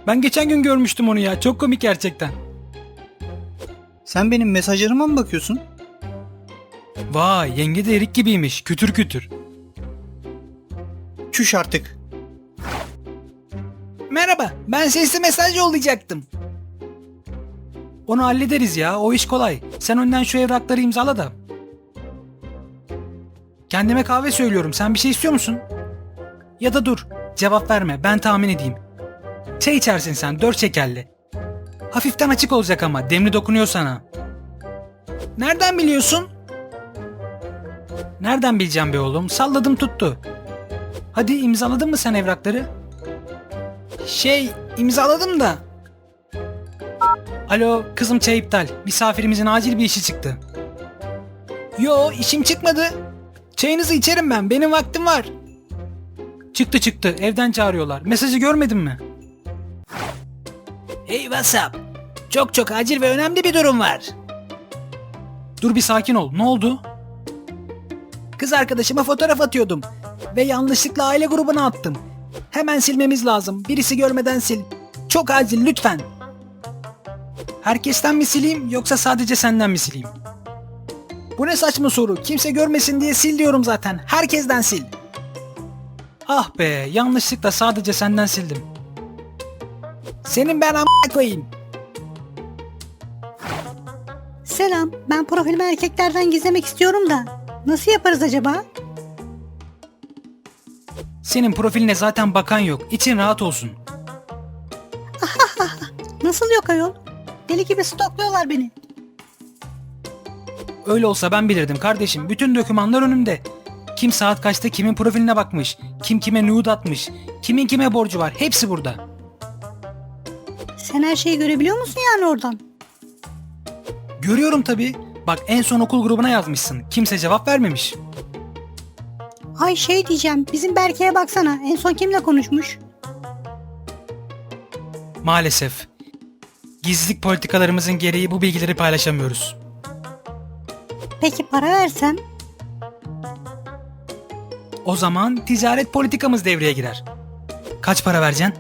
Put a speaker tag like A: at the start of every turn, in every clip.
A: Ben geçen gün görmüştüm onu ya. Çok komik gerçekten.
B: Sen benim mesajlarıma mı bakıyorsun?
A: Vay, yenge de erik gibiymiş. Kütür kütür.
B: Çüş artık.
A: Merhaba, ben sesli mesaj yollayacaktım. Onu hallederiz ya, o iş kolay. Sen önden şu evrakları imzala da. Kendime kahve söylüyorum, sen bir şey istiyor musun? Ya da dur, cevap verme, ben tahmin edeyim. Çay içersin sen, 4 şekerli. Hafiften açık olacak ama, demli dokunuyor sana. Nereden biliyorsun? Nereden bileceğim be oğlum, salladım tuttu. Hadi imzaladın mı sen evrakları? İmzaladım da. Alo, kızım çay iptal. Misafirimizin acil bir işi çıktı. Yo, işim çıkmadı. Çayınızı içerim ben, benim vaktim var. Çıktı, evden çağırıyorlar. Mesajı görmedin mi? Hey WhatsApp. Çok acil ve önemli bir durum var. Dur bir sakin ol, ne oldu? Kız arkadaşıma fotoğraf atıyordum. Ve yanlışlıkla aile grubuna attım. Hemen silmemiz lazım. Birisi görmeden sil. Çok acil lütfen. Herkesten mi sileyim yoksa sadece senden mi sileyim? Bu ne saçma soru. Kimse görmesin diye sil diyorum zaten. Herkesten sil. Ah be, yanlışlıkla sadece senden sildim. Senin ben a**a koyayım.
C: Selam, ben profilimi erkeklerden gizlemek istiyorum da. Nasıl yaparız acaba?
A: Senin profiline zaten bakan yok. İçin rahat olsun.
C: Nasıl yok ayol? Deli gibi stokluyorlar beni.
A: Öyle olsa ben bilirdim kardeşim. Bütün dokümanlar önümde. Kim saat kaçta kimin profiline bakmış, kim kime nude atmış, kimin kime borcu var, hepsi burada.
C: Sen her şeyi görebiliyor musun yani oradan?
A: Görüyorum tabii. Bak en son okul grubuna yazmışsın. Kimse cevap vermemiş.
C: Ay şey diyeceğim, bizim Berke'ye baksana. En son kimle konuşmuş?
A: Maalesef. Gizlilik politikalarımızın gereği bu bilgileri paylaşamıyoruz.
C: Peki para versem?
A: O zaman ticaret politikamız devreye girer. Kaç para vereceksin?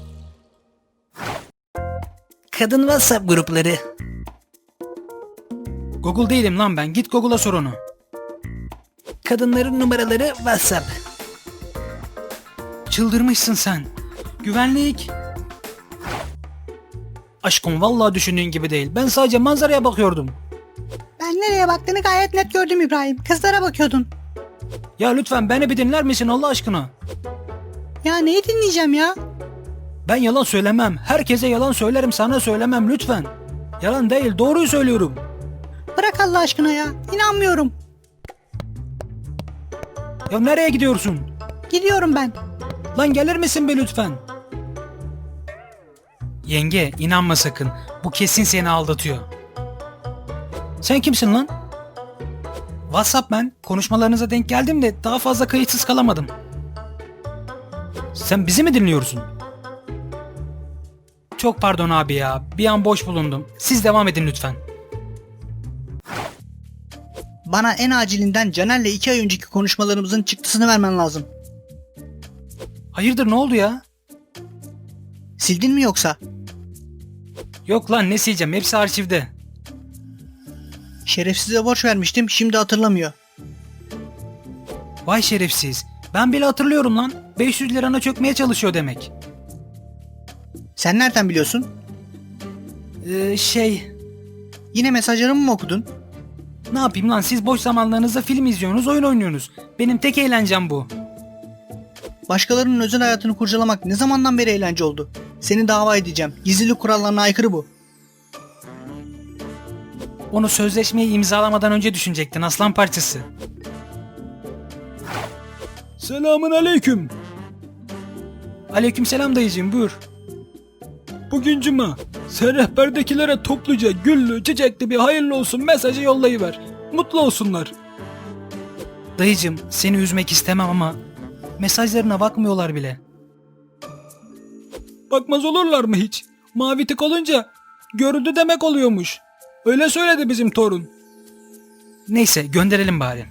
A: Kadın WhatsApp grupları. Google değilim lan ben. Git Google'a sor onu. Kadınların numaraları WhatsApp. Çıldırmışsın sen. Güvenlik. Aşkım vallahi düşündüğün gibi değil. Ben sadece manzaraya bakıyordum.
C: Ben nereye baktığını gayet net gördüm İbrahim. Kızlara bakıyordun.
A: Ya lütfen beni bir dinler misin Allah aşkına?
C: Ya neyi dinleyeceğim ya?
A: Ben yalan söylemem. Herkese yalan söylerim, sana söylemem lütfen. Yalan değil, doğruyu söylüyorum.
C: Bırak Allah aşkına ya. İnanmıyorum.
A: Ya nereye gidiyorsun?
C: Gidiyorum ben.
A: Lan gelir misin be lütfen? Yenge, inanma sakın. Bu kesin seni aldatıyor. Sen kimsin lan? WhatsApp ben. Konuşmalarınıza denk geldim de daha fazla kayıtsız kalamadım. Sen bizi mi dinliyorsun? Çok pardon abi ya. Bir an boş bulundum. Siz devam edin lütfen.
B: Bana en acilinden Caner'le 2 ay önceki konuşmalarımızın çıktısını vermen lazım.
A: Hayırdır ne oldu ya?
B: Sildin mi yoksa?
A: Yok lan ne sileceğim, hepsi arşivde.
B: Şerefsize borç vermiştim, şimdi hatırlamıyor.
A: Vay şerefsiz. Ben bile hatırlıyorum lan. 500 lirana çökmeye çalışıyor demek.
B: Sen nereden biliyorsun? Yine mesajlarımı mı okudun?
A: Ne yapayım lan, siz boş zamanlarınızda film izliyorsunuz, oyun oynuyorsunuz. Benim tek eğlencem bu.
B: Başkalarının özel hayatını kurcalamak ne zamandan beri eğlence oldu? Seni dava edeceğim. Gizlilik kurallarına aykırı bu.
A: Onu sözleşmeyi imzalamadan önce düşünecektin aslan parçası. Selamun aleyküm. Aleyküm selam dayıcığım, buyur. Bugün cuma. Sen rehberdekilere topluca güllü çiçekli bir hayırlı olsun mesajı yollayıver. Mutlu olsunlar. Dayıcığım seni üzmek istemem ama mesajlarına bakmıyorlar bile. Bakmaz olurlar mı hiç? Mavi tık olunca görüldü demek oluyormuş. Öyle söyledi bizim torun. Neyse gönderelim bari.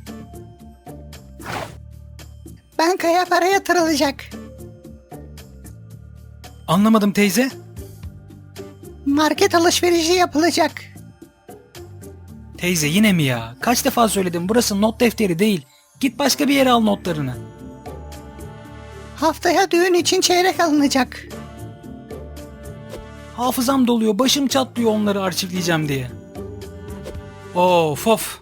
C: Bankaya para yatırılacak.
A: Anlamadım teyze.
C: Market alışverişi yapılacak.
A: Teyze yine mi ya? Kaç defa söyledim, burası not defteri değil. Git başka bir yere al notlarını.
C: Haftaya düğün için çeyrek alınacak.
A: Hafızam doluyor, başım çatlıyor onları arşivleyeceğim diye. Of of.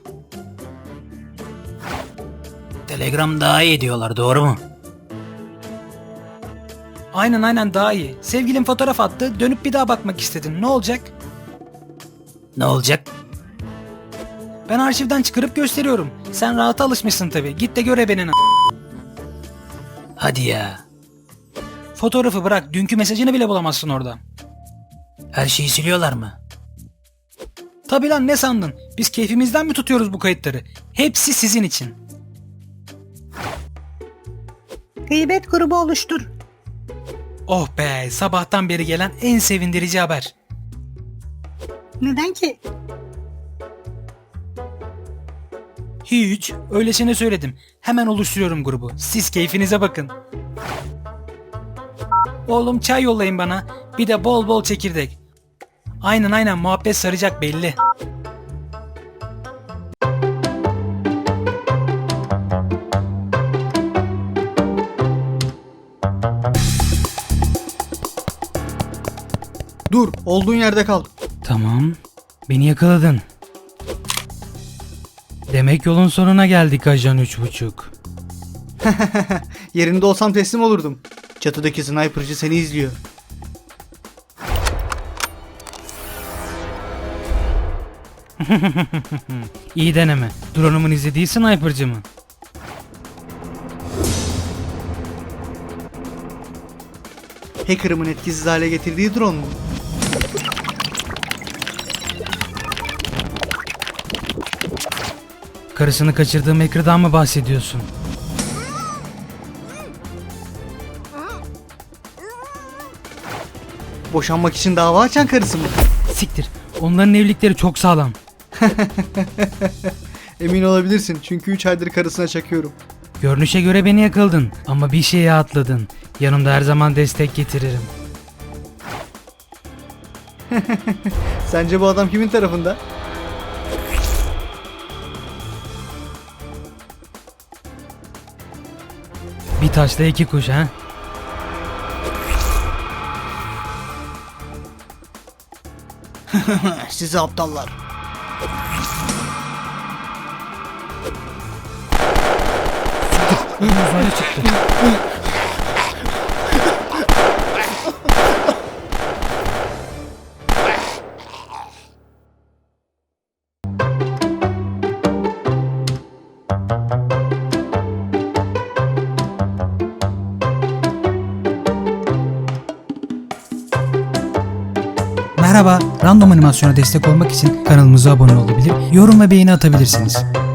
A: Telegram daha iyi diyorlar, doğru mu? Aynen daha iyi. Sevgilim fotoğraf attı, dönüp bir daha bakmak istedim. Ne olacak? Ne olacak? Ben arşivden çıkarıp gösteriyorum. Sen rahata alışmışsın tabii. Git de göre beni. Hadi ya. Fotoğrafı bırak, dünkü mesajını bile bulamazsın orada. Her şeyi siliyorlar mı? Tabii lan, ne sandın? Biz keyfimizden mi tutuyoruz bu kayıtları? Hepsi sizin için.
C: Gıybet grubu oluştur.
A: Oh be, sabahtan beri gelen en sevindirici haber.
C: Neden ki?
A: Hiç, öylesine söyledim. Hemen oluşturuyorum grubu. Siz keyfinize bakın. Oğlum çay yollayın bana. Bir de bol bol çekirdek. Aynen muhabbet saracak belli.
B: Dur, olduğun yerde kal.
A: Tamam. Beni yakaladın. Demek yolun sonuna geldik ajan 3.5.
B: Yerinde olsam teslim olurdum. Çatıdaki sniperci seni izliyor.
A: İyi deneme. Drone'umun izlediği sniper'cı mı?
B: Hacker'ımın etkisiz hale getirdiği drone mu?
A: Karısını kaçırdığım Hacker'dan mı bahsediyorsun?
B: Boşanmak için dava açan karısı mı?
A: Siktir. Onların evlilikleri çok sağlam.
B: Emin olabilirsin çünkü 3 aydır karısına çakıyorum.
A: Görünüşe göre beni yakaladın ama bir şeye atladın. Yanımda her zaman destek getiririm.
B: Sence bu adam kimin tarafında?
A: Bir taşla iki kuş ha?
B: Sizi aptallar.
A: Uzaya çıktı.
D: Merhaba, Random Animasyon'a destek olmak için kanalımıza abone olabilir, yorum ve beğeni atabilirsiniz.